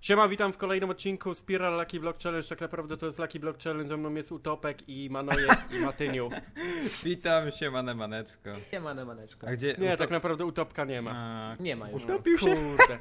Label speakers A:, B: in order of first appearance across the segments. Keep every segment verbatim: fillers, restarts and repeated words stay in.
A: Siema, witam w kolejnym odcinku Spiral Lucky Block Challenge. Tak naprawdę to jest Lucky Block Challenge, ze mną jest Utopek i Manojek i Matyniu.
B: Witam się, mane maneczko.
C: Siemane maneczko.
B: A gdzie?
A: Nie,
B: Utop...
A: tak naprawdę Utopka nie ma.
B: A,
C: Nie ma już.
B: Utopił się?
A: Kurde.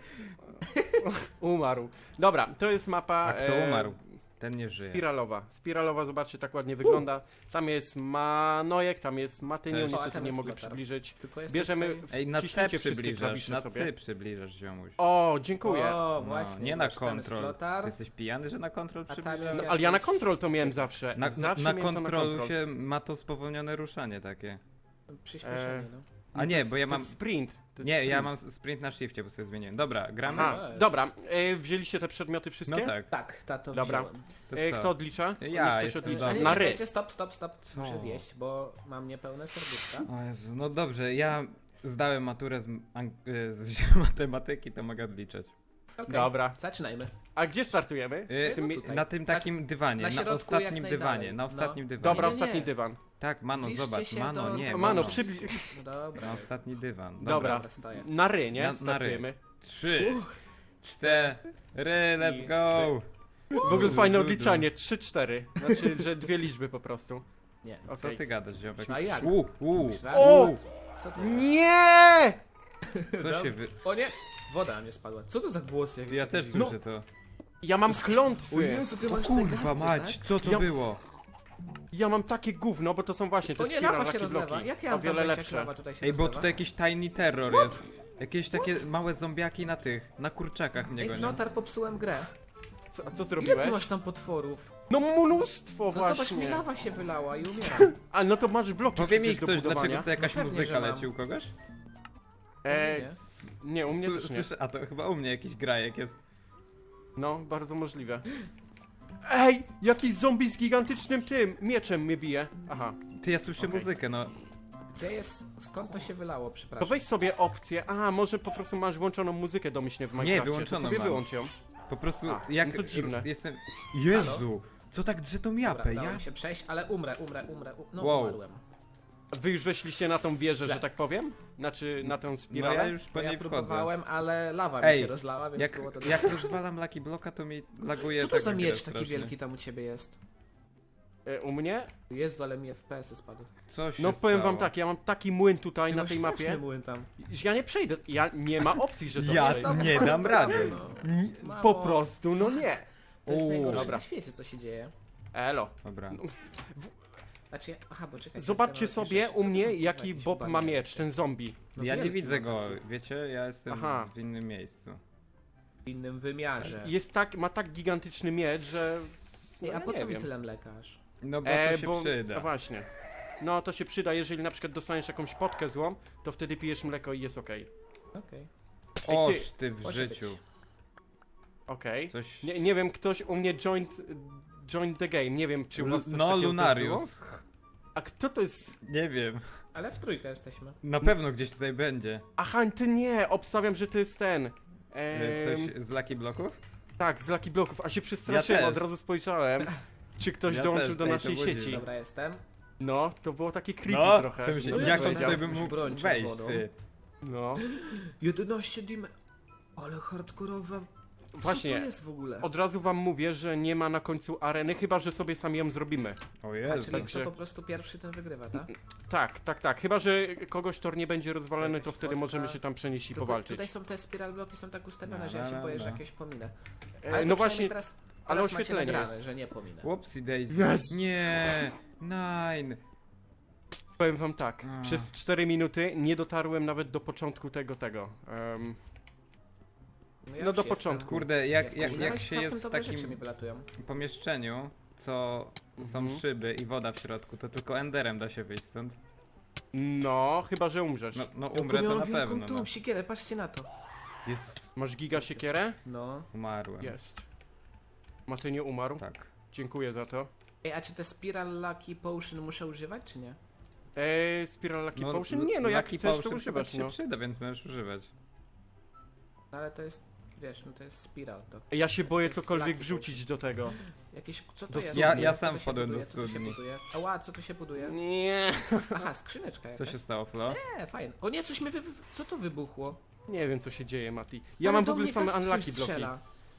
A: Umarł. Dobra, to jest mapa...
B: A kto
A: e,
B: umarł? Ten nie żyje.
A: Spiralowa. Spiralowa, zobaczcie, tak ładnie wygląda. Tam jest Manojek, tam jest Matyniu,
B: Cześć.
C: O, a
A: niestety
C: tam
A: nie
C: jest
A: mogę
C: Flotar.
A: przybliżyć.
C: Tylko jest
A: Bierzemy...
C: tutaj...
B: Ej, na C
A: Wciśnijcie wszystkie
B: przybliżasz,
A: klawisze
B: na
A: sobie.
B: C przybliżasz, ziomuś.
A: O, dziękuję.
C: O,
B: No,
C: właśnie.
B: nie na
C: zobacz, tam jest
B: kontrol.
C: Flotar.
B: Ty jesteś pijany, że na kontrol
C: tam
B: przybliżasz?
C: jest-
A: No, ale ja na kontrol to miałem zawsze.
B: Na,
A: zawsze
B: na
A: miałem to
B: kontrolu
A: na kontrol.
B: się ma to spowolnione ruszanie takie.
C: Przyspieszenie,
A: E,
C: no.
B: A
A: No
B: nie,
A: to jest-
B: bo ja
A: to
B: mam...
A: jest sprint. To jest
B: Nie, ja
A: sprint.
B: mam sprint na shifcie, bo sobie zmieniłem. Dobra, gramy?
A: Aha,
C: Jest.
A: dobra. E, wzięliście te przedmioty wszystkie?
B: No tak.
C: Tak, tato
A: Dobra.
C: wziąłem.
B: To
A: E,
B: co?
A: kto odlicza?
B: Ja
A: Niech ktoś
B: jestem
A: odlicza.
C: A
B: dobry.
C: nie,
A: Na ry.
C: czekajcie, stop, stop, stop.
B: Co?
C: Muszę zjeść, bo mam niepełne serduszka.
B: O Jezu, no dobrze, ja zdałem maturę z, ang- y, z matematyki, to mogę odliczać.
C: Okay.
A: Dobra.
C: Zaczynajmy.
A: A gdzie startujemy?
B: Y,
A: W tym mi-
C: tutaj.
B: na tym
C: Tak,
B: takim dywanie,
C: na
B: na,
C: środku jak
B: ostatnim
C: najdalej.
B: dywanie, na
C: No.
B: ostatnim dywanie.
A: Dobra,
C: Nie, nie,
A: ostatni
C: nie.
A: dywan.
B: Tak, Mano,
C: Zbliżcie
B: zobacz,
C: się
B: Mano,
C: do-
B: nie,
C: do-
A: Mano,
B: Mano.
A: przybliż...
C: No dobra.
B: Na
C: jest.
B: ostatni dywan.
A: Dobra.
B: Dobra.
C: Dobra, stoję.
A: Na ry, nie?
B: Na- na ry.
A: Startujemy.
B: Trzy, cztery, let's go!
A: W ogóle fajne
B: Du, du, du.
A: odliczanie. trzy cztery. Znaczy, że dwie liczby po prostu.
C: Nie.
B: Co
A: Okej.
B: ty gadasz, ziomek?
C: A jak?
B: U, u,
C: Raz.
A: O!
B: u.
C: Co to?
A: Nie!
B: Co się wy...
C: O nie! Woda mnie spadła. Co to za głos? Jak
B: Ty, ja
C: jest
B: też
C: taki-
B: słyszę to.
A: Ja mam klątwy.
C: O Jezu, ty
B: O
C: masz te
B: kurwa
C: gasty,
B: mać,
C: tak?
B: co to
A: Ja-
B: było?
A: Ja mam takie gówno, bo to są właśnie te
C: O nie,
A: spiral
C: lawa się
A: lucky
C: rozlewa.
A: bloki.
C: Jak ja
A: O
C: mam
A: wiele
C: tam wejść, jak
A: lepsze.
C: lawa tutaj się
B: Ej, bo
C: rozlewa?
B: tutaj jakiś tiny terror jest. Jakieś takie małe zombiaki na tych, na kurczakach mnie
C: Ej,
B: gonią.
C: Flotar, popsułem grę.
A: Co, a co
C: Ile
A: zrobiłeś?
C: ty masz tam potworów?
A: No mnóstwo
C: No zobacz, mi
A: właśnie.
C: lawa się wylała i umieram.
A: A no to masz bloki
B: Powie mi
A: przecież do
B: ktoś,
A: budowania.
B: dlaczego tutaj jakaś
C: No pewnie,
B: muzyka
C: że mam.
B: leci u kogoś?
A: E,
C: Nie.
A: s- nie, u mnie
B: Sły-
A: też nie.
B: Słyszę, a to chyba u mnie jakiś grajek jest.
A: No, bardzo możliwe. Ej, jakiś zombie z gigantycznym tym mieczem mnie bije. Aha.
B: Ty, ja słyszę
A: Okej.
B: muzykę, no.
C: Gdzie jest? Skąd to się wylało?
A: To
C: Przepraszam.
A: weź sobie opcję. A, może po prostu masz włączoną muzykę domyślnie w Minecrafcie.
B: wyłączoną
A: to sobie
B: mam.
A: wyłącz ją.
B: Po prostu,
A: A,
B: jak
A: no to dziwne.
B: jestem... Jezu! Co tak drze tą japę,
C: Dobra,
B: ja?
C: dałem się przejść, ale umrę, umrę, umrę. u- No
B: Wow.
C: umarłem.
A: Wy już weszliście na tą wieżę,
C: Źle.
A: że tak powiem? Znaczy na tę
B: No
A: spiralę?
B: ja już po
C: Bo ja
B: niej wchodzę.
C: próbowałem, ale lawa mi
B: Ej,
C: się rozlała, więc
B: Jak,
C: było to...
B: jak rozwalam Lucky Blocka, to mi laguje
C: Co to
B: tak
C: za
B: grę
C: miecz taki
B: strasznie.
C: wielki tam u ciebie jest?
A: E, u mnie?
C: Jezu, ale mi F P S-y spadły.
B: Co się
A: No powiem wam
B: stało?
A: tak, ja mam taki młyn tutaj
C: Ty
A: na
C: masz
A: tej
C: straszny
A: mapie,
C: młyn tam.
A: że ja nie przejdę. Ja nie ma opcji, że to
B: Ja
A: przejdę.
B: nie dam rady.
C: No.
A: N-
C: Mamo.
A: Po prostu, no nie.
C: To jest
B: Uuu.
C: najgorsze
A: Dobra.
C: na świecie, co się dzieje.
A: Elo.
B: Dobra.
C: Znaczy, ja- aha, bo czekaj.
A: Zobaczcie
C: ja mam
A: sobie
C: jakieś rzeczy.
A: u
C: Co to
A: mnie,
C: są,
A: jaki
C: jakieś
A: Bob ma
C: bagnie?
A: miecz, ten zombie.
C: No
B: Ja nie
C: wielki
B: widzę
C: ma
B: go,
C: taki.
B: wiecie? Ja jestem
A: Aha.
B: w innym miejscu.
C: W innym wymiarze.
A: Jest tak, ma tak gigantyczny miecz, że... No,
C: Ej, a
A: ja
C: po
A: nie
C: co mi
A: wiem.
C: tyle mlekasz?
B: No bo
A: E,
B: to się
A: bo-
B: przyda.
A: No właśnie. No to się przyda, jeżeli na przykład dostaniesz jakąś potkę złą, to wtedy pijesz mleko i jest okej.
C: Okej.
A: Ej,
B: Oż
A: ty-
B: ty w
C: może
B: życiu.
C: być.
A: Okej.
B: Coś...
A: Nie, nie wiem, ktoś u mnie joined, joined the game, nie wiem czy u
B: Lu-
A: was coś
B: No,
A: takiego też było?
B: Lunarius.
A: A kto to jest?
B: Nie wiem.
C: Ale w trójkę jesteśmy.
B: Na pewno gdzieś tutaj będzie.
A: Aha, ty nie, obstawiam, że to jest ten.
B: E,
A: Ehm,
B: Coś z Lucky Blocków?
A: Tak, z Lucky Blocków, a się przestraszyłem,
B: Ja
A: od
B: też.
A: razu spojrzałem, czy ktoś
B: Ja
A: dołączył
B: też,
A: do
B: tej to
A: naszej
B: budzi.
A: sieci.
C: Dobra, jestem.
A: No, to było takie creepy
B: No,
A: trochę.
B: w sensie,
C: No
B: jak
C: ja
B: on
C: powiedziałem,
B: tutaj by
C: jakąś
B: mógł
C: broń
B: wejść,
C: czerwoną.
B: ty?
A: No,
C: jedenaście dim... Ale hardkorowa... Co
A: właśnie,
C: to jest w ogóle?
A: od razu wam mówię, że nie ma na końcu areny, chyba że sobie sami ją zrobimy.
B: O
C: A,
B: Jezu.
C: czyli
A: także-
C: kto po prostu pierwszy, ten wygrywa, tak?
A: Tak, tak, tak. Chyba że kogoś tor nie będzie rozwalony, to
C: Jakaś
A: wtedy
C: spotka.
A: możemy się tam przenieść i
C: Tylko
A: powalczyć.
C: tutaj są te spiral bloki są tak ustawione,
B: No,
C: że ja
B: no,
C: się
B: no,
C: boję, że
B: no.
C: jakieś pominę.
A: E,
C: Ale to
A: no
C: przynajmniej
A: właśnie,
C: teraz,
A: ale
C: teraz macie
A: oświetlenie
C: nagrane,
A: jest.
C: że nie pominę.
B: Whoopsie daisy.
A: Yes.
B: Nie. Nine.
A: powiem wam tak,
B: A.
A: przez cztery minuty nie dotarłem nawet do początku tego, tego. Em,
C: ja
A: no
C: już
A: do
C: jestem.
A: początku.
B: Kurde, jak,
C: Jestem.
B: jak,
C: I
B: jak
C: nawet
B: się
C: całkiem
B: jest w
C: dobre
B: takim
C: rzeczy mi wylatują.
B: pomieszczeniu, co są
A: Mhm.
B: szyby i woda w środku, to tylko enderem da się wyjść stąd.
A: No, chyba że umrzesz.
B: No, no
C: Ja
B: umrę to
C: miałam
B: na
C: wielką
B: pewno.
C: tą
B: No.
C: sikierę, patrzcie na to.
B: Jest...
A: Masz giga siekierę?
C: No.
B: Umarłem.
A: Jest. Maty nie umarł?
B: Tak.
A: Dziękuję za to.
C: Ej, a czy te spiral lucky potion muszę używać, czy nie?
A: Eee, Spiral Lucky Potion? Nie, no jak
B: Lucky
A: chcesz, to
B: Potion
A: używasz,
B: się
A: no.
B: przyda, więc możesz używać.
C: No ale to jest, wiesz, no to jest spiral, to
A: Ja się boję
C: To jest
A: cokolwiek
C: Lucky
A: wrzucić do tego.
C: jakieś, co to
A: Do
C: jest?
A: studni.
B: Ja-
C: Co
B: ja
C: to
B: sam
C: się
B: wpadłem do
C: buduje? Co to się
B: studni.
C: buduje? Ała, co tu się buduje?
A: Nie.
C: Aha, skrzyneczka jakaś.
B: Co się stało, Flo?
C: Nie, fajnie. O nie, coś mi wy... wy- co to wybuchło?
A: Nie wiem co się dzieje, Mati. Ja
C: Ale
A: mam w
C: do
A: ogóle
C: mnie
A: same
C: gaz twój
A: unlucky bloki.
C: strzela.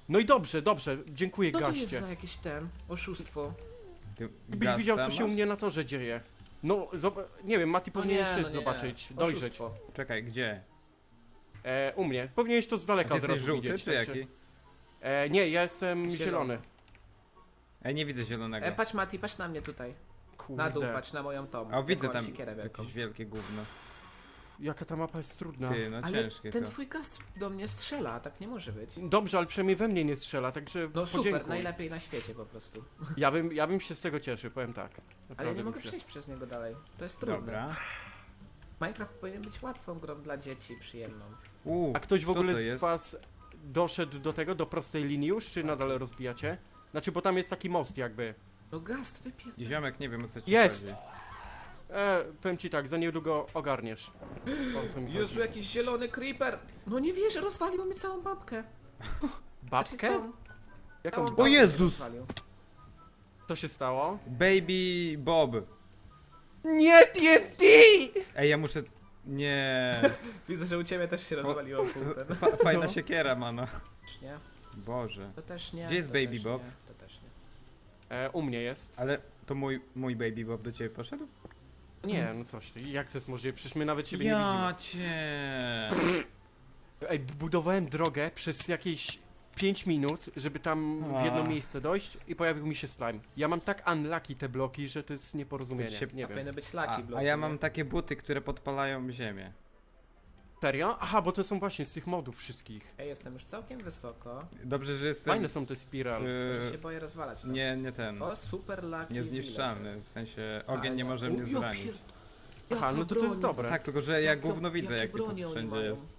A: No i dobrze, dobrze, dziękuję
C: Co to jest
A: gaście.
C: za jakieś ten oszustwo?
B: Ty
A: Byś
B: gaz
A: widział, co
B: tam
A: się u
B: masz?
A: mnie na torze dzieje. No, zob- nie wiem, Mati
C: No
A: powinieneś
C: nie,
A: też
C: no nie.
A: zobaczyć, dojrzeć.
C: Oszustwo.
B: Czekaj, gdzie?
A: E, u mnie. Powinieneś to z
B: A
A: daleka
B: ty
A: od
B: jesteś
A: razu
B: żółty
A: widzieć.
B: czy
A: także-
B: jaki?
A: E, nie, ja jestem zielony.
C: Zielony.
B: Ej, nie widzę zielonego.
C: E, patrz Mati, patrz na mnie tutaj.
A: Kurde.
C: Na dół, patrz na moją tą.
B: A widzę
C: taką
B: tam
C: siekierę wielką.
B: jakieś wielkie gówno.
A: Jaka ta mapa jest trudna.
B: Ty, no
C: Ale
B: ciężkie
C: ten
B: to.
C: twój gast do mnie strzela, a tak nie może być.
A: Dobrze, ale przynajmniej we mnie nie strzela, także
C: No super,
A: podziękuj.
C: najlepiej na świecie po prostu.
A: Ja bym, ja bym się z tego cieszył, powiem tak.
C: Ale ja
A: Naprawdę
C: nie
A: bym
C: mogę
A: się-
C: przejść przez niego dalej. To jest trudne.
B: Dobra.
C: Minecraft powinien być łatwą grą dla dzieci, przyjemną.
B: Uuu,
A: A ktoś w
B: co
A: ogóle
B: to
A: z
B: jest?
A: was doszedł do tego, do prostej linii już, czy nadal rozbijacie? Znaczy, bo tam jest taki most jakby.
C: No gast, wypier...
B: Ziomek, nie wiem o co ci
A: Jest!
B: chodzi.
A: E, powiem ci tak, za niedługo ogarniesz. O co mi
C: Jezu,
A: chodzi.
C: jakiś zielony creeper! No nie wierzę, rozwalił mi całą babkę.
A: Babkę?
C: Znaczy, tą-
A: Jaką
C: całą
A: babkę?
C: babkę
B: Jezus!
C: rozwalił.
A: Co się stało?
B: Baby Bob.
A: Nie T N T!
B: Ej, ja muszę... Nie.
C: Widzę, że u ciebie też się rozwaliło pół ten.
B: Fa fajna
A: No.
B: siekiera, mano.
C: Też nie,
B: Boże.
C: to też nie.
B: Gdzie jest
C: to
B: Baby
C: też
B: Bob?
C: Nie, to też nie.
A: E, u mnie jest.
B: Ale to mój, mój Baby Bob do ciebie poszedł?
A: Nie, no coś ty. Jak to jest możliwe? Przecież my nawet siebie nie
B: Ja
A: widzimy.
B: cię.
A: Ej, budowałem drogę przez jakieś pięć minut, żeby tam w jedno
B: A.
A: miejsce dojść i pojawił mi się slime. Ja mam tak unlucky te bloki, że to jest nieporozumienie.
B: Co ci się-
A: Nie
C: A
A: wiem.
C: powinny być
B: A,
C: laki bloki.
B: a ja
C: nie?
B: mam takie buty, które podpalają ziemię.
A: Serio? Aha, bo to są właśnie z tych modów wszystkich.
C: Ej, jestem już całkiem wysoko.
B: Dobrze, że jestem...
A: Fajne są te spiral.
C: Może się
B: Yy,
C: boję rozwalać to.
B: nie, nie ten.
C: O, super laki.
B: Niezniszczalny, w sensie ogień
C: A,
B: nie
C: ja-
B: może
C: O,
B: mnie
C: ja
B: zranić.
C: pier-
A: Aha,
C: jaka
A: no to to jest
C: broń.
A: dobre.
B: Tak, tylko że ja
C: Jakie-
B: gówno widzę,
C: jakie
B: jak to
C: bronie oni
B: wszędzie
C: mają.
B: jest.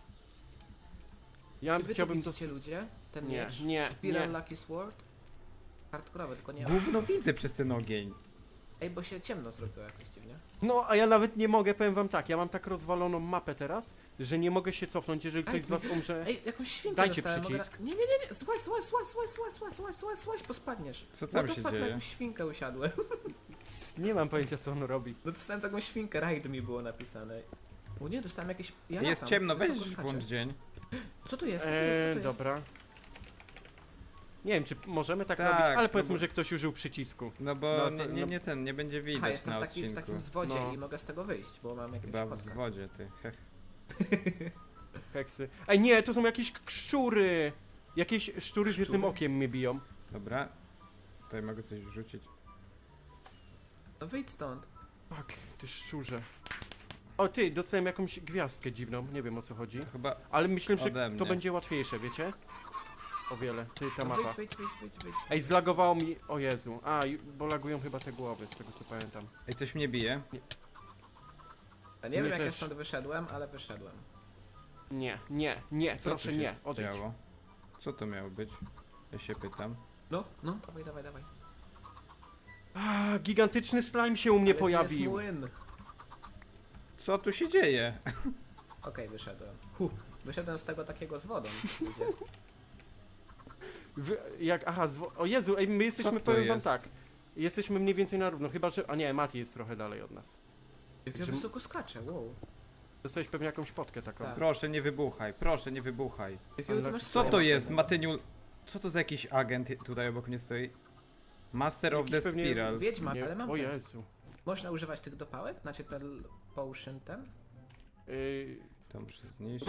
A: Ja
C: Wy to
A: chciałbym
C: widzicie,
A: to...
C: ludzie? Ten
A: Nie,
C: miecz?
A: nie,
C: Spiral
A: nie.
C: Lucky Sword? Hardkorowy, tylko nie...
B: Gówno widzę przez ten ogień.
C: Ej, bo się ciemno zrobiło jakoś dziwnie.
A: No, a ja nawet nie mogę, powiem wam tak, ja mam tak rozwaloną mapę teraz, że nie mogę się cofnąć, jeżeli ktoś
C: Ej,
A: z was umrze.
C: Ej, jakąś świnkę
A: Dajcie
C: dostałem, mogę
A: przycisk.
C: Na... Nie, nie, nie, nie, złaź, złaź, złaź, złaź, złaź, złaź, złaź, złaź, złaź, złaź, bo spadniesz.
B: Co tam
C: What the
B: się
C: fuck, na
B: dzieje?
C: jakąś świnkę usiadłem.
A: Nie mam pojęcia, co on robi.
C: No dostałem taką świnkę, raid mi było napisane. O nie, dostałem jakieś... Ja
B: Jest
C: latam,
B: ciemno, weź
C: wysoko skaczę.
B: włącz dzień.
C: Co tu jest, co tu jest, co
A: Eee,
C: tu jest?
A: dobra. Nie wiem, czy możemy tak,
B: Tak,
A: robić, ale
B: no
A: powiedzmy,
B: bo-
A: że ktoś użył przycisku.
B: No bo
A: No,
B: nie,
A: no-
B: nie, nie ten, nie będzie
C: Aha,
B: widać
C: jestem
B: na
C: taki w
B: odcinku.
C: takim zwodzie
A: No.
C: i mogę z tego wyjść, bo mam jakieś
B: Chyba w
C: podkę.
B: zwodzie, ty. Heh.
A: Heksy. Ej, nie, tu są jakieś k- szczury! Jakieś szczury z jednym
C: Szczury?
A: okiem mnie biją.
B: Dobra. Tutaj mogę coś wrzucić.
C: No wyjdź stąd.
A: Tak, ty szczurze. O ty, dostałem jakąś gwiazdkę dziwną, nie wiem o co chodzi.
B: To chyba...
A: Ale myślę, że
B: Ode
A: to
B: mnie.
A: będzie łatwiejsze, wiecie? O wiele, ty, ta
C: No
A: mapa.
C: wyjdź, wyjdź, wyjdź, wyjdź, wyjdź.
A: Ej, zlagowało mi, o Jezu. A, i- bo lagują chyba te głowy, z tego co pamiętam.
B: Ej, coś mnie bije.
C: Ja nie wiem
A: mnie
C: jak ja
A: też.
C: stąd wyszedłem, ale wyszedłem.
A: Nie, nie, nie,
B: Co
A: proszę
B: tu się
A: nie, odejdź.
B: działo? Co to miało być? Ja się pytam.
C: No, no, dawaj, dawaj, dawaj.
A: A, gigantyczny slime się u mnie
C: Ale tu jest
A: pojawił.
C: młyn.
B: Co tu się dzieje?
C: Okej, wyszedłem. Huh. Wyszedłem z tego takiego z wodą. ludzie.
A: Wy, jak, aha, zwo- o Jezu, ej, my jesteśmy,
B: to
A: powiem wam
B: jest?
A: tak. Jesteśmy mniej więcej na równo, chyba że, a nie, Mati jest trochę dalej od nas.
C: Jak ja
A: Że-
C: wysoko skaczę, wow.
A: Dostałeś pewnie jakąś potkę taką.
C: Tak.
B: Proszę nie wybuchaj, proszę nie wybuchaj.
C: Jakiego ty
A: Ale
C: masz
B: Co
C: slajma
B: to
C: w
B: jest,
C: sobie?
B: Matyniul? Co to za jakiś agent tutaj obok mnie stoi? Master of
A: Jakiś
B: the
A: pewnie
B: Spiral.
C: Wiedźma,
A: Nie,
C: ale mam
A: o
C: ten.
A: Jezu.
C: Można używać tych dopałek? Znaczy ten potion ten?
A: Yy,
B: To muszę zniszczyć.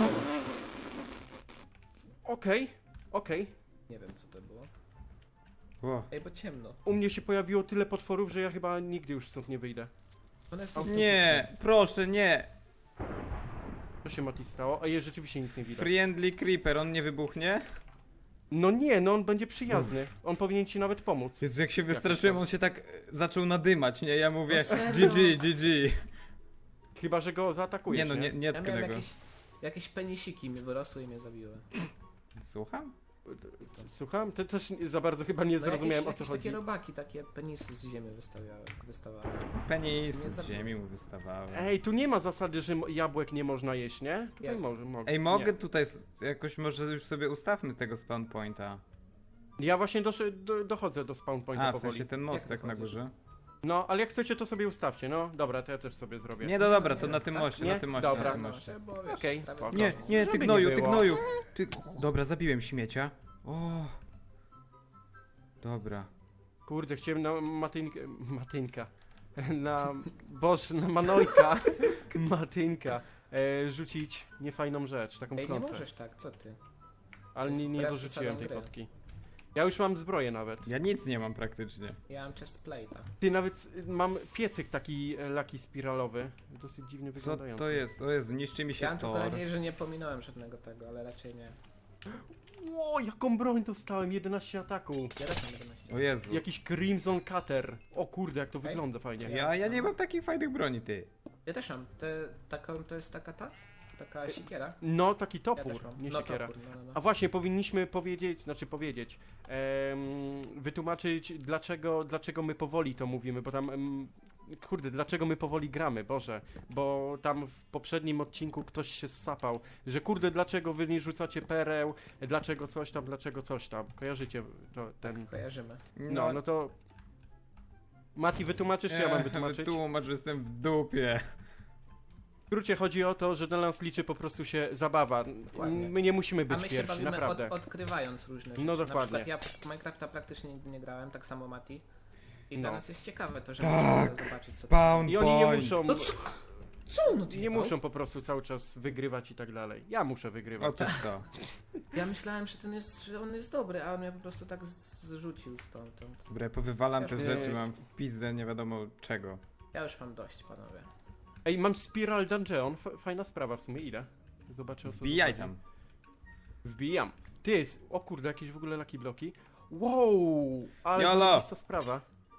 A: Okej, okej.
C: Nie wiem co to było.
B: O.
C: Ej, bo ciemno.
A: U mnie się pojawiło tyle potworów, że ja chyba nigdy już stąd nie wyjdę.
C: One jest
A: Auto-
B: Nie, proszę nie!
A: Co się Mati stało? Ej, rzeczywiście nic nie widać.
B: Friendly Creeper, on nie wybuchnie?
A: No nie, no on będzie przyjazny. On powinien ci nawet pomóc.
B: Jezu, jak się wystraszyłem, on się tak e, zaczął nadymać, nie? Ja mówię
C: No serio?
B: G G, G G.
A: Chyba, że go zaatakujesz,
B: Nie no, nie, nie
C: Ja
B: tknę
C: miałem
B: go.
C: jakieś, jakieś penisiki mi wyrosły i mnie zabiły.
B: Słucham?
A: Słucham? Ty też nie- za bardzo chyba nie
C: No
A: zrozumiałem,
C: jakieś,
A: o
C: jakieś
A: co chodzi.
C: takie robaki, takie penisy z ziemi wystawiały, wystawały.
B: Penis
C: Nie
B: z
C: zabiję.
B: ziemi mu wystawały.
A: Ej, tu nie ma zasady, że mo- jabłek nie można jeść, nie? Tutaj
C: Jest.
A: może, mogę.
B: Ej, mogę
A: Nie.
B: tutaj s- jakoś może już sobie ustawmy tego spawn pointa.
A: Ja właśnie doszy, do, dochodzę do spawn pointa
B: A, w
A: powoli.
B: sensie ten mostek
C: Jak
B: na
C: dochodzisz?
B: górze.
A: No, ale jak chcecie, to sobie ustawcie, no. Dobra, to ja też sobie zrobię.
B: Nie, no dobra, to
C: Nie,
B: na tym
C: tak?
B: moście,
A: Nie?
B: na tym moście,
A: Dobra.
B: na tym
C: No,
B: moście.
C: bo wiesz,
A: Okej,
C: prawie-
A: spoko.
B: Nie, nie,
A: Żeby
B: ty
A: nie
B: gnoju, ty
A: było.
B: gnoju! Ty... Dobra, zabiłem śmiecia. O! Dobra.
A: Kurde, chciałem na matynkę... Matynka. Na... Boż, na Manojka. Matynka. E, rzucić niefajną rzecz, taką
C: Ej, nie
A: klątwę.
C: możesz tak, co ty?
A: Ale
C: To jest
A: nie, nie
C: wbrew
A: dorzuciłem
C: zasadom
A: tej
C: gry.
A: potki. Ja już mam zbroję nawet.
B: Ja nic nie mam praktycznie.
C: Ja mam chest plate'a.
A: Ty, nawet y, mam piecyk taki e, laki spiralowy. Dosyć dziwnie
B: Co
A: wyglądający.
B: to jest? O Jezu, niszczy mi się
C: Ja mam tylko
B: tor.
C: nadzieję, że nie pominąłem żadnego tego, ale raczej nie.
A: Ło, jaką broń dostałem, jedenaście ataku.
C: Ja też mam jedenaście.
B: O Jezu.
A: Jakiś Crimson Cutter. O kurde, jak to
C: Ej.
A: wygląda fajnie.
B: Ja, ja nie mam takich fajnych broni, ty.
C: Ja też mam. Te, taką, to jest taka ta? Taka sikiera?
A: No, taki
C: Ja
A: topór,
C: też mam.
A: nie
C: no,
A: siekiera.
C: Topór, no, no,
A: A
C: no.
A: właśnie, powinniśmy powiedzieć, znaczy powiedzieć, em, wytłumaczyć dlaczego, dlaczego my powoli to mówimy, bo tam, em, kurde, dlaczego my powoli gramy, Boże, bo tam w poprzednim odcinku ktoś się ssapał, że kurde, dlaczego wy nie rzucacie pereł, dlaczego coś tam, dlaczego coś tam, kojarzycie to, ten,
C: Kojarzymy.
A: no, no to... Mati, wytłumaczysz, czy ja mam wytłumaczyć?
B: Wytłumacz, że jestem w dupie.
A: W skrócie chodzi o to, że dla nas liczy po prostu się zabawa.
C: Dokładnie.
A: My nie musimy
C: A
A: być
C: my się
A: pierwsi,
C: bawimy od,
A: naprawdę.
C: odkrywając różne rzeczy.
A: No
C: Na
A: dokładnie.
C: przykład ja w Minecrafta praktycznie nigdy nie grałem, tak samo Mati. I
A: No.
C: dla nas jest ciekawe to, że
B: Tak,
C: możemy zobaczyć co to
B: Spawn
A: I oni nie
B: point.
A: muszą,
C: No co? Co on
A: nie
C: odjebał?
A: muszą po prostu cały czas wygrywać i tak dalej. Ja muszę wygrywać.
B: Otóż to.
C: Ja myślałem, że, ten jest, że on jest dobry, a on mnie po prostu tak z- zrzucił stamtąd.
B: Dobra, powywalam te
C: Eee.
B: rzeczy, mam w pizdę nie wiadomo czego.
C: Ja już mam dość, panowie.
A: Ej, mam Spiral Dungeon, F fajna sprawa w sumie, ile? Zobaczę o co tu
B: Wbijaj
A: chodzi.
B: tam.
A: Wbijam. Ty, jest, o kurde, jakieś w ogóle lucky bloki. Wow, ale
B: Jolo.
A: zajebista sprawa.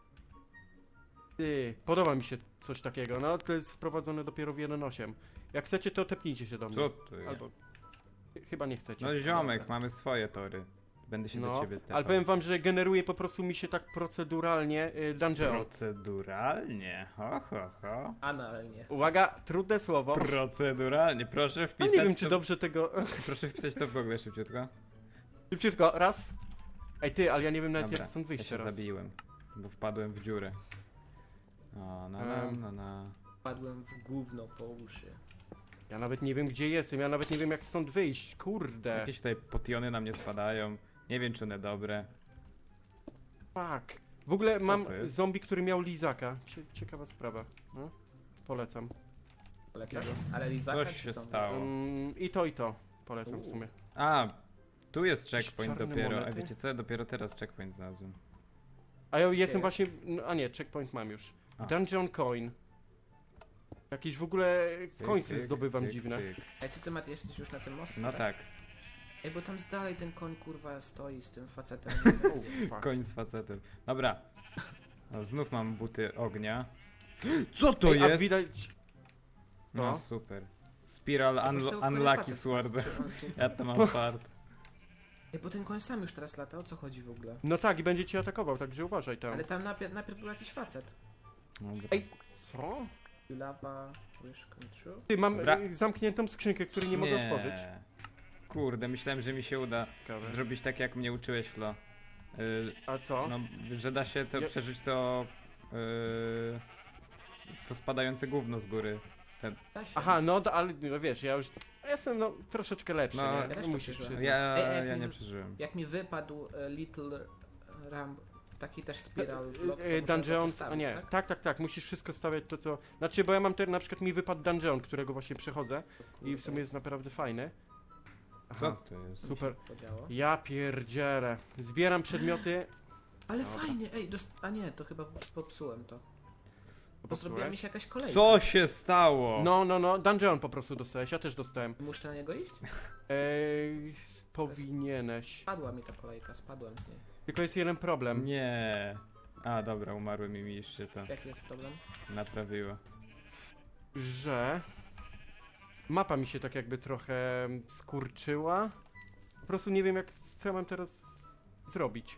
A: Ty, podoba mi się coś takiego, no to jest wprowadzone dopiero w jeden osiem. Jak chcecie, to tepnijcie się do mnie.
B: Co to jest?
A: Albo... Chyba nie chcecie.
B: No ziomek, mamy swoje tory. Będę się do
A: No,
B: ciebie tepał.
A: ale powiem wam, że generuje po prostu mi się tak proceduralnie y, dungeon.
B: Proceduralnie, ho ho ho.
C: Analnie.
A: Uwaga, trudne słowo.
B: Proceduralnie, proszę
A: No
B: wpisać
A: nie wiem, czy
B: to...
A: dobrze tego...
B: Proszę wpisać to w Google szybciutko.
A: Szybciutko, raz. Ej ty, ale ja nie wiem nawet
B: Dobra,
A: jak stąd
B: ja
A: wyjść
B: się
A: teraz.
B: zabiłem, bo wpadłem w dziurę. O, na na
A: Em.
B: na na.
C: Padłem w gówno po uszy.
A: Ja nawet nie wiem gdzie jestem, ja nawet nie wiem jak stąd wyjść, kurde.
B: Jakieś tutaj potiony na mnie spadają. Nie wiem czy one dobre.
A: Fuck. W ogóle mam
B: to jest?
A: zombie, który miał lizaka. Cie ciekawa sprawa. No. Polecam.
C: Polecam? Ale Lizaka
B: Coś
C: czy
B: się
C: są?
B: stało.
A: Um, I to i to. Polecam w
C: Uuu.
A: sumie.
B: A, tu jest checkpoint
A: czarne
B: dopiero. A
A: monety?
B: wiecie co? Ja dopiero teraz checkpoint znalazłem.
A: A ja jestem
C: jest?
A: właśnie... No, a nie, checkpoint mam już.
B: A.
A: Dungeon coin. Jakieś w ogóle
B: Pyk,
A: końce
B: pyk,
A: zdobywam
B: pyk,
A: dziwne.
B: pyk.
C: Ej, ty, ty Mati, jesteś już na tym mostku?
B: No tak,
C: Ej, bo tam z dalej ten koń kurwa stoi z tym facetem.
A: Oh, fuck.
B: koń z facetem. Dobra. No, znów mam buty ognia. Co to
A: Ej, a
B: jest?
A: widać...
B: No
A: No.
B: super. Spiral
C: Po
B: unlo
C: prostu kurwa
B: Unlucky
C: facet
B: Sword.
C: czy on tu-
B: Ja to mam fart.
C: Ej, bo ten koń sam już teraz lata, o co chodzi w ogóle?
A: No tak, i będzie cię atakował, także uważaj tam.
C: Ale tam najpierw, najpierw był jakiś facet.
B: Dobra.
A: Ej, co?
C: Lava wish come true.
A: Ty, mam
B: Dobra.
A: y, zamkniętą skrzynkę, której nie, mogę otworzyć.
B: Kurde, myślałem, że mi się uda
A: Ciekawe.
B: zrobić tak jak mnie uczyłeś, Flo. Y,
A: A co?
B: no, że da się to
A: Ja-
B: przeżyć to... Y, to spadające gówno z góry. Ten,
C: Da się.
A: Aha, no da- ale no wiesz, ja już ja jestem no troszeczkę lepszy,
B: No,
A: nie?
B: ja
C: też to
A: Musisz
C: przeżyłem.
A: przyznać.
B: ja
C: Ej, ej,
B: ja
C: mi-
B: nie przeżyłem.
C: Jak mi wypadł e, Little Ram, taki też spiral
A: E,
C: block, to
A: e,
C: muszę go
A: Dungeon,
C: postawić,
A: a nie,
C: tak?
A: tak, tak, tak, musisz wszystko stawiać to co... Znaczy, bo ja mam ten, na przykład mi wypadł Dungeon, którego właśnie przechodzę i w sumie jest naprawdę fajny.
B: Co
A: Aha,
B: to jest?
A: super.
C: Podziało.
A: Ja pierdzielę. Zbieram przedmioty.
C: Ale
A: Dobra.
C: fajnie, ej, dost... a nie, to chyba popsułem to. Bo zrobiła mi
A: Popsułeś?
C: się jakaś kolejka.
B: Co się stało?
A: No, no, no, Dungeon po prostu dostałeś, ja też dostałem.
C: Muszę na niego iść?
A: Ej, powinieneś.
C: Spadła mi ta kolejka, spadłem z niej.
A: Tylko jest jeden problem.
B: Nie. A dobra, umarłem i mi już się to
C: Jaki jest problem?
B: naprawiło.
A: Że mapa mi się tak jakby trochę skurczyła. Po prostu nie wiem jak, co ja mam teraz zrobić.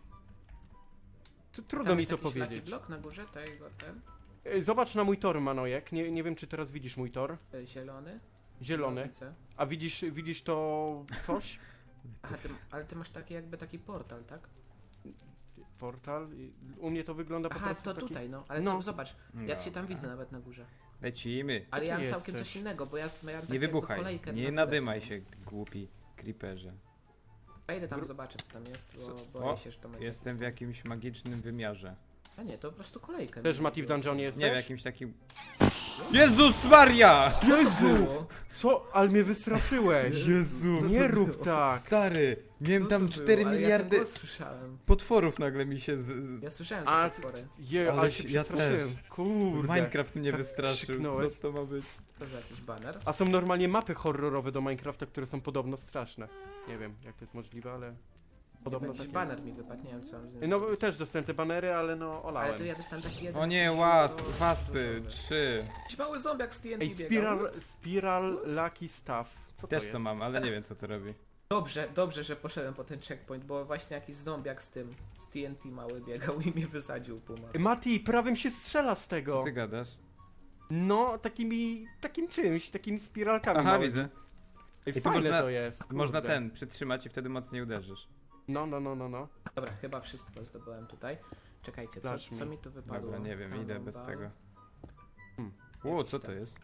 A: Tu, trudno
C: Tam
A: mi
C: jest
A: to
C: jakiś lucky
A: powiedzieć.
C: blok na górze tego, ten,
A: Ej, Zobacz na mój tor, Manojek. Nie, nie wiem czy teraz widzisz mój tor.
C: e, zielony?
A: Zielony.
C: No, widzę.
A: A widzisz, widzisz to coś?
C: Aha, ty, ale ty masz taki jakby taki portal, tak?
A: Portal. I U mnie to wygląda po
C: Aha,
A: prostu
C: to
A: taki...
C: tutaj, no. Ale
A: No.
C: to zobacz, ja cię tam
B: Dobra.
C: widzę nawet na górze.
B: Lecimy.
C: Ale ja mam
A: Jesteś.
C: całkiem coś innego, bo ja miałem
B: Nie
C: tak jakby
B: wybuchaj.
C: kolejkę
B: Nie
C: na
B: nadymaj
C: górę
B: się, głupi creeperze.
C: A idę tam
A: Gru-
C: zobaczyć co tam jest,
B: Co-
C: bo boję
B: o,
C: się, że to będzie...
B: Jestem w jakimś magicznym wymiarze.
C: A nie, to po prostu kolejka.
A: Też Mati w dungeonie jesteś?
B: Nie, w jakimś takim... Jezus Maria!
A: Jezu! Co? Ale mnie wystraszyłeś!
B: Jezu!
C: Co
A: Nie
C: to
A: rób
C: było?
A: tak!
B: Stary! Miałem
C: Co
B: tam
C: to
B: cztery
C: było? Ale
B: miliardy
C: Ja ten głos słyszałem.
B: potworów nagle mi się z... z...
C: Ja słyszałem
A: A,
C: te potwory.
A: je,
B: Ale
A: ale się
B: ja
A: przestraszyłem. Kurde.
B: Minecraft mnie
A: tak
B: wystraszył, co
A: krzyknąłeś.
B: to ma być?
C: To za jakiś baner.
A: A są normalnie mapy horrorowe do Minecrafta, które są podobno straszne. Nie wiem, jak to jest możliwe, ale... Podobno
C: Jakiś
A: tak
C: baner mi wypadł, nie wiem co mam z nim
A: No
C: zrobić.
A: też dostałem te banery, ale no olałem.
C: Ale to ja dostałem taki jeden...
B: O nie,
C: duży-
B: was,
C: dużo-
B: waspy,
C: dużo-
B: trzy.
C: Jakiś mały zombiak z T N T
A: Ej,
C: biegał.
A: Spiral, Spiral Lucky Stuff. Co
B: Też
A: to,
B: to
A: jest?
B: mam, ale nie wiem co to robi.
C: Dobrze, dobrze, że poszedłem po ten checkpoint, bo właśnie jakiś zombiak z tym, z T N T mały biegał i mnie wysadził puma.
A: Ej, Mati, prawym się strzela z
B: Co
A: tego.
B: ty gadasz?
A: No, takimi, takim czymś, takimi spiralkami
B: Aha,
A: małymi.
B: widzę.
A: Ej,
B: I to
A: fajne
B: można-
A: to jest, kurde.
B: Można ten, przytrzymać i wtedy mocniej uderzysz.
A: No, no, no, no, no.
C: Dobra, chyba wszystko zdobyłem tutaj. Czekajcie, co,
A: Zacznij.
C: co mi tu wypadło?
B: Dobra, nie wiem, idę bez
C: Cannonball.
B: tego.
A: Hmm.
B: Ło, co to jest?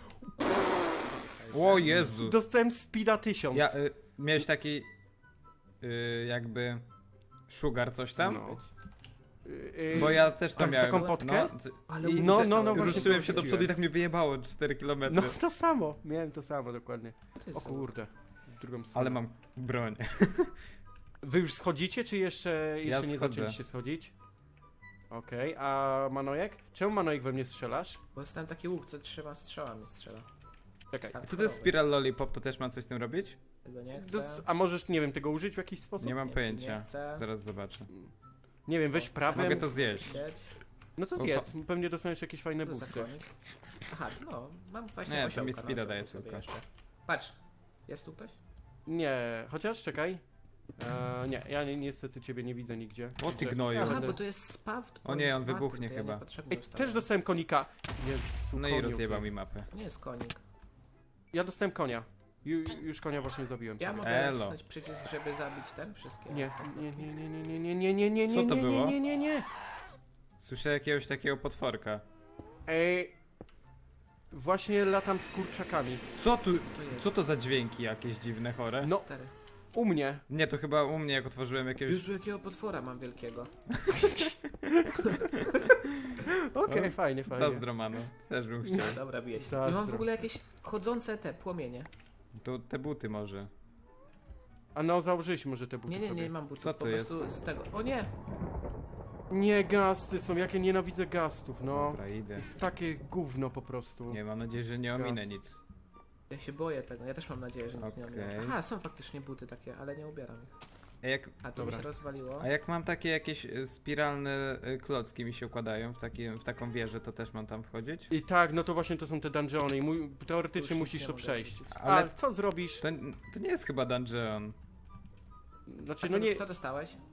B: O Jezus!
A: Dostałem speeda tysiąc.
B: Ja, y, miałeś taki... Y, jakby... Sugar coś tam?
A: No. Yy,
B: Bo ja też to
A: tak,
B: miałem.
A: taką potkę?
B: No, c-
C: Ale
B: i
A: no,
C: też
A: no,
C: to-
A: no, właśnie
B: ruszyłem
A: to
B: się do
A: wrzuciłem.
B: przodu i tak mnie wyjebało cztery kilometry.
A: No to samo, miałem to samo dokładnie.
C: To jest
A: O kurde, w drugą stronę.
B: Ale mam broń.
A: Wy już schodzicie, czy jeszcze, jeszcze nie
B: schodzę.
A: zaczęliście schodzić? Okej, a Manojek? Czemu Manojek we mnie strzelasz?
C: Bo dostałem taki łuk, co trzema strzałami strzela.
A: Czekaj.
C: Tak.
B: Co to jest Spiral Lollipop? To też mam coś z tym robić?
C: Tego nie
A: To
C: chcę.
A: s- A możesz, nie wiem, tego użyć w jakiś sposób?
B: Nie mam
C: Nie,
B: pojęcia.
C: nie chcę.
B: Zaraz zobaczę.
A: Nie wiem, weź
C: O,
A: prawym.
B: Mogę to zjeść.
C: Sieć.
A: No to
B: O,
A: zjedz, pewnie dostaniesz jakieś fajne
C: To za
A: boosty.
C: konik. Aha, no, mam właśnie
B: Nie, to
C: osiołka
B: mi
C: na
B: speeda
C: osiołku
B: daje
C: sobie
B: tylko.
C: jeszcze. Patrz, jest tu ktoś?
A: Nie, chociaż czekaj. E, nie, ja ni- niestety ciebie nie widzę nigdzie.
B: O, ty
A: Także-
B: gnoju.
A: Ja
C: Aha,
A: będę-
C: bo to jest spaw.
B: O nie, on
C: point
B: wybuchnie
C: to ja
B: chyba.
C: niepotrzebnie
A: Ej,
C: ustawiam.
A: też dostałem konika. Jezu,
B: No i
A: koniu,
B: rozjebał
A: ty.
B: mi mapę.
C: Nie jest konik.
A: Ja dostałem konia. Ju, już konia właśnie zabiłem
C: Ja
A: sobie.
C: mogę
B: Elo.
C: nacisnąć przycisk, żeby zabić ten wszystkie.
A: Nie, nie, nie, nie, nie, nie, nie, nie, nie, nie,
B: Co
A: nie,
B: to
A: nie,
B: było?
A: nie, nie, nie.
B: Słyszę jakiegoś takiego potworka.
A: Ej, właśnie latam z kurczakami.
B: Co tu?
C: To jest.
B: Co to za dźwięki jakieś dziwne, chore?
A: No,
C: Stary.
A: u mnie.
B: Nie, to chyba u mnie jak otworzyłem jakiegoś...
C: Jezu, jakiego potwora mam wielkiego.
A: Okej,
B: O,
A: fajnie, fajnie.
B: Zazdromano. Też bym chciał.
C: Dobra, bije się.
A: Zazdro.
C: I mam w ogóle jakieś chodzące te płomienie.
B: To te buty może.
A: A no, założyliśmy może te buty
C: Nie, nie,
A: sobie.
C: nie mam butów.
B: Co
C: po
B: to jest?
C: prostu z tego. O nie!
A: Nie, gasty są, jakie nienawidzę gastów, no.
B: Dobra, idę.
A: Jest takie gówno po prostu.
B: Nie, mam nadzieję, że nie ominę
A: Gaz.
B: nic.
C: Ja się boję tego. Ja też mam nadzieję, że nic nie
B: Okej.
C: ominę. Aha, są faktycznie buty takie, ale nie ubieram ich.
B: A jak,
C: A to
A: Dobra.
C: mi się rozwaliło.
B: a jak mam takie jakieś y, spiralne y, klocki mi się układają w, takim, w taką wieżę, to też mam tam wchodzić?
A: I tak, no to właśnie to są te dungeony i mój, teoretycznie
C: Już
A: musisz
C: nie
A: to
C: mogę
A: przejść.
C: wrócić.
B: Ale-
A: Ale co zrobisz?
B: To, to nie jest chyba dungeon.
A: Znaczy,
C: A
A: no
C: co,
A: nie...
C: co dostałeś?
A: Yy,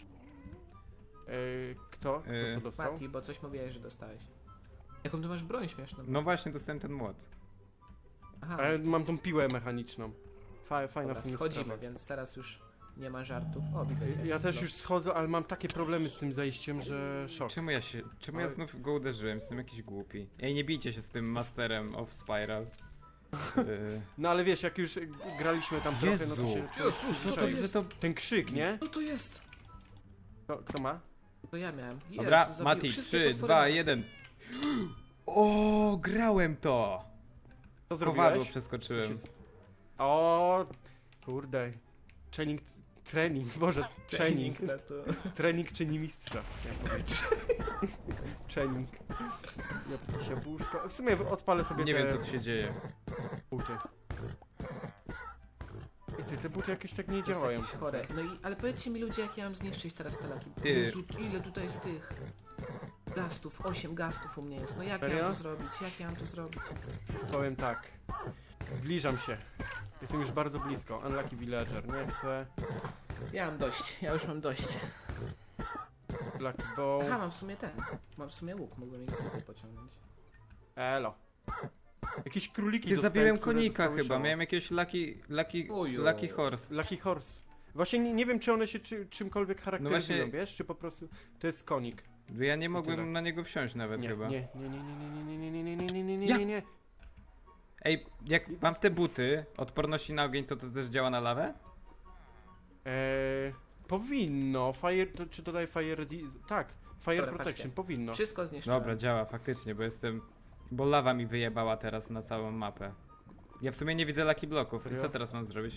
A: kto? Kto
B: Yy,
A: co dostał?
C: Mati, bo coś mówiłeś, że dostałeś. Jaką ty masz broń śmieszną?
B: No właśnie, dostałem ten młot.
C: Aha,
A: A ja mam tą piłę mechaniczną. Fa, fajna
C: dobra,
A: w sumie
C: schodzimy,
A: sprawa.
C: więc teraz już nie ma żartów. O, widzę cię.
A: Ja też
C: No.
A: już schodzę, ale mam takie problemy z tym zejściem, że szok.
B: Czemu ja się, czemu ja
A: Ale-
B: znów go uderzyłem? Jestem jakiś głupi. Ej, nie bijcie się z tym masterem of Spiral. Y,
A: No ale wiesz, jak już graliśmy tam trochę, no to
B: Jezu.
A: się...
C: Jezus, co to
A: Czekaj,
C: jest?
B: że to...
A: Ten krzyk, nie?
C: Co to jest?
A: Kto, kto ma?
C: To ja miałem. Jezu,
B: Dobra,
C: zabił
B: Mati,
C: wszystkie
B: trzy,
C: potwory
B: dwa,
C: naraz.
B: jeden. O, grałem to!
A: Co
B: Kowadło
A: zrobiłeś?
B: przeskoczyłem.
A: Co się s- O, kurde. Trening, trening, boże, trening.
C: No to...
A: Trening czyni mistrza, chciałem powiedzieć. Trening. Ja się puszko. W sumie odpalę sobie
B: Nie
A: te
B: wiem co tu się dzieje.
A: buty. I ty, te buty jakieś tak nie
C: To jest
A: działają.
C: jakieś chore. No i, ale powiedzcie mi ludzie, jak ja mam zniszczyć teraz te laki.
B: Ty.
C: Jezu, ile tutaj jest tych gastów, osiem gastów u mnie jest. No jak ja
A: Serio?
C: mam to zrobić? Jak ja mam to zrobić?
A: Powiem tak. Zbliżam się. Jestem już bardzo blisko. Unlucky Villager, nie chcę.
C: Ja mam dość, ja już mam dość.
A: Lucky Bow.
C: Aha, mam w sumie ten. Mam w sumie łuk, mogłem ich z łuku pociągnąć.
A: Elo. Jakieś króliki
B: Ty
A: dostałem,
B: zabiłem
A: które
B: konika
A: dostały
B: chyba,
A: szału.
B: miałem jakiegoś lucky, lucky,
C: Ojo.
B: lucky horse.
A: Lucky Horse. Właśnie nie, nie wiem, czy one się czy, czymkolwiek charakteryzują,
B: właśnie-
A: wiesz? Czy po prostu to jest konik.
B: Ja nie mogłem
A: tyle.
B: na niego wsiąść nawet
A: Nie,
B: chyba.
A: nie, nie, nie, nie, nie, nie, nie, nie, nie, nie, nie, nie,
B: Ja-
A: nie, nie.
B: Ej, jak mam te buty, odporności na ogień, to to też działa na lawę?
A: Eee, powinno. Fire, to, czy dodaj fire... di- Tak, fire
C: Dobra,
A: protection,
C: patrzcie.
A: powinno.
C: Wszystko zniszczyłem.
B: Dobra, działa faktycznie, bo jestem... Bo lawa mi wyjebała teraz na całą mapę. Ja w sumie nie widzę Lucky Bloków. I
A: Serio?
B: co teraz mam zrobić?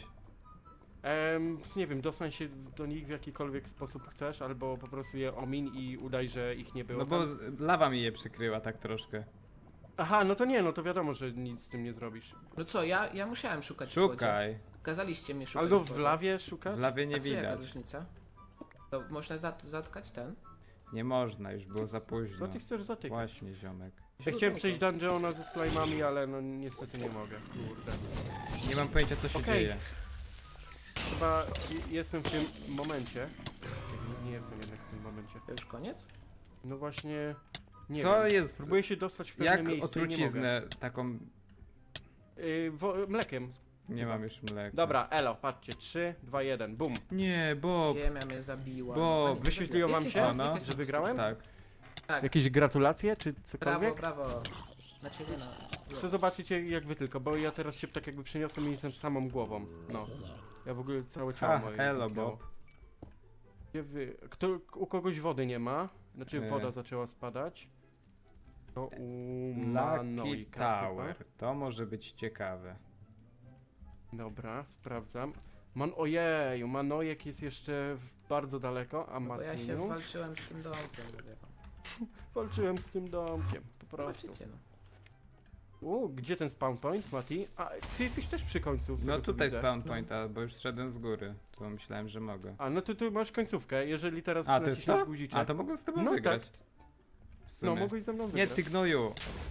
A: Em, nie wiem, dostań się do nich w jakikolwiek sposób chcesz, albo po prostu je omin i udaj, że ich nie było
B: No bo
A: tam.
B: z- lawa mi je przykryła tak troszkę.
A: Aha, no to nie, no to wiadomo, że nic z tym nie zrobisz.
C: No co, ja, ja musiałem szukać w wodzie.
B: Szukaj.
C: Kazaliście mi szukać
A: Albo
C: w
A: w
C: wodzie.
A: lawie szukać?
B: W lawie nie
C: A co, jaka
B: widać.
C: różnica? To można zat zatkać ten?
B: Nie można, już było za późno.
A: Co ty chcesz zatykać?
B: Właśnie, ziomek.
A: Ja chciałem przejść dungeona ze slime'ami, ale no niestety nie mogę, kurde.
B: Nie mam pojęcia, co się
A: Okej.
B: dzieje.
A: Chyba je- jestem w tym momencie. Nie, nie jestem jednak w tym momencie.
C: To już koniec?
A: No właśnie, nie
B: Co
A: wiem.
B: jest?
A: Próbuję się dostać w pewne
B: Jak
A: miejsce i nie mogę.
B: otruciznę taką...
A: Yy, wo- mlekiem.
B: Nie mam już mleka.
A: Dobra, elo, patrzcie, trzy, dwa, jeden, bum.
B: Nie, Bob.
C: Ziemia mnie zabiła.
B: Bo
C: A nie,
A: wyświetliło wam
C: jakie
A: się,
C: są-
B: no,
C: jakie są
A: że wygrałem?
B: Tak.
C: Tak,
A: Jakieś gratulacje, czy
C: brawo,
A: cokolwiek?
C: brawo. Na ciebie no.
A: Chcę zobaczyć jak, jak wy tylko, bo ja teraz się tak jakby przeniosłem i jestem samą głową. No. Ja w ogóle całe ciało
B: Ha,
A: moje
B: hello,
A: zniknęło.
B: Bob.
A: Gdzie wy... Kto, u kogoś wody nie ma? Znaczy
B: E.
A: woda zaczęła spadać. To u
B: Lucky
A: Manojka
B: Tower. To może być ciekawe.
A: chyba. Dobra, sprawdzam. Man, ojeju, Manojek jest jeszcze w- bardzo daleko, a
C: No bo ja się
A: Martinu...
C: walczyłem z tym domkiem, mówię wam.
A: Walczyłem z tym domkiem, po prostu.
C: Zobaczycie no.
A: U, gdzie ten spawn point, Mati? A, ty jesteś też przy końcu, z
B: No
A: tego, co
B: tutaj
A: widzę.
B: spawn point, bo już szedłem z góry. To myślałem, że mogę.
A: A, no to tu masz końcówkę, jeżeli teraz
B: A, to jest
A: naciśniesz
B: to?
A: guziczek.
B: A, to mogę z tobą
A: No
B: wygrać.
A: tak,
B: W sumie.
A: no mogłeś ze mną
B: Nie,
A: wygrać.
B: ty gnoju.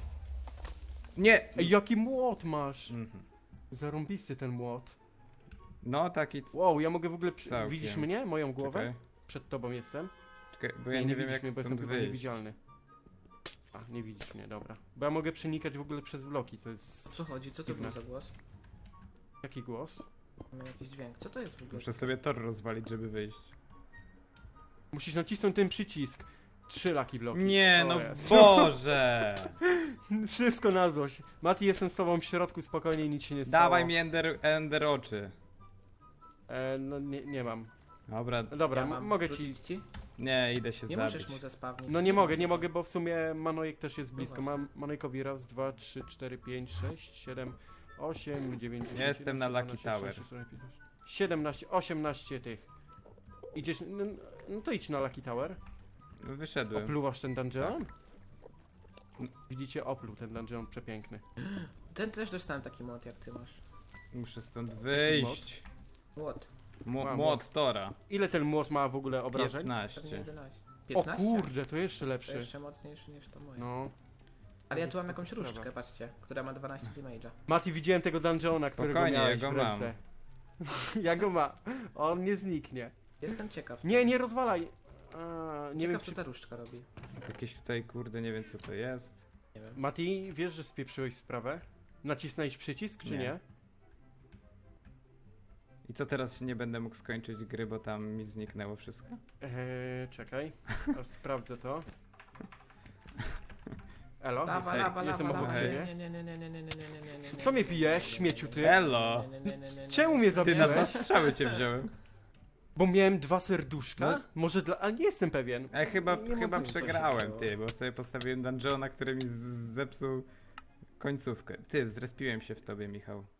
B: Nie!
A: Ej, jaki młot masz!
B: Mhm.
A: Zarąbisty ten młot.
B: No taki... c-
A: Wow, ja mogę w ogóle... Przy...
B: Całkiem.
A: Widzisz mnie? Moją głowę?
B: Czekaj,
A: Przed tobą jestem.
B: czekaj, bo ja nie, wiem
A: widzisz
B: jak
A: mnie, bo jestem
B: stąd
A: tylko
B: wyjść.
A: niewidzialny. A, nie widzisz mnie, dobra. Bo ja mogę przenikać w ogóle przez bloki, co jest...
C: O co chodzi? Co to
A: dziwne.
C: był za głos?
A: Jaki głos?
C: Miał jakiś dźwięk. Co to jest w ogóle?
B: Muszę sobie tor rozwalić, żeby wyjść.
A: Musisz nacisnąć ten przycisk. Trzy laki bloki.
B: Nie,
A: O
B: no
A: Jezu.
B: Boże!
A: Wszystko na złość. Mati, jestem z tobą w środku, spokojnie, nic się nie stało.
B: Dawaj mi ender, ender oczy.
A: E, no nie, nie mam.
B: Dobra,
A: No dobra,
C: Ja
A: m-
C: mam
A: mogę ci...
C: wrzucić ci?
B: nie, idę się
C: Nie
B: zabić.
C: możesz mu zespawnić.
A: No nie mogę, nie mogę, bo w sumie Manojek też jest
C: No
A: blisko.
C: właśnie.
A: Mam Manojkowi raz, dwa, trzy, cztery, pięć, sześć, siedem, osiem, dziewięć, dziesięć,
B: Ja jestem na Lucky
A: jedenaście,
B: Tower.
A: szesnaście, siedemnaście, siedemnaście, osiemnaście tych. Idziesz, no, no to idź na Lucky Tower.
B: Wyszedłem.
A: Opluwasz ten dungeon?
B: Tak.
A: Widzicie, opluł ten dungeon przepiękny.
C: Ten też dostałem taki mod jak ty masz.
B: Muszę stąd wyjść.
C: Młot.
B: Mu-
A: Mam
B: Młot Tora.
A: Ile ten młot ma w ogóle obrażeń?
C: Pewnie
B: piętnaście.
C: jedenaście.
A: O
C: piętnaście?
A: kurde, to jeszcze
C: To
A: lepszy.
C: jeszcze mocniejszy niż to moje.
A: No.
C: Ale ja tu mam jakąś
A: Sprawa.
C: różdżkę, patrzcie, która ma dwanaście damage'a.
A: Mati, widziałem tego dungeona, którego
B: Spokojnie,
A: miałeś
B: ja go
A: w ręce. ja go ma. On nie zniknie.
C: Jestem ciekaw.
A: Nie, nie rozwalaj. A, nie
C: Ciekaw,
A: wiem,
C: co
A: czy...
C: ta różdżka robi.
B: Jakieś tutaj, kurde, nie wiem co to jest.
C: Nie wiem.
A: Mati, wiesz, że spieprzyłeś sprawę? Nacisnąłeś przycisk, czy
B: Nie.
A: nie?
B: I co teraz nie będę mógł skończyć gry, bo tam mi zniknęło wszystko?
A: Eee, czekaj, aż sprawdzę to. Elo,
C: Lawa,
A: jestem,
C: lawa,
A: jestem
C: lawa,
A: obok
C: lawa.
A: ciebie.
C: Nie, nie, nie, nie, nie, nie, nie, nie, nie, nie, nie.
A: Co mnie pijesz, śmieciu ty?
B: Elo!
C: Nie, nie, nie, nie, nie, nie.
A: Czemu mnie
B: Ty na
A: zabiłeś?
B: dwa strzały cię wziąłem.
A: Bo miałem dwa serduszka?
B: No.
A: Może dla... Ale nie jestem pewien.
B: A ja chyba,
A: Nie
B: chyba
A: mogę, co się
B: przegrałem,
C: stało.
B: ty, bo sobie postawiłem dungeona, który mi z- zepsuł końcówkę. Ty, zrespiłem się w tobie, Michał.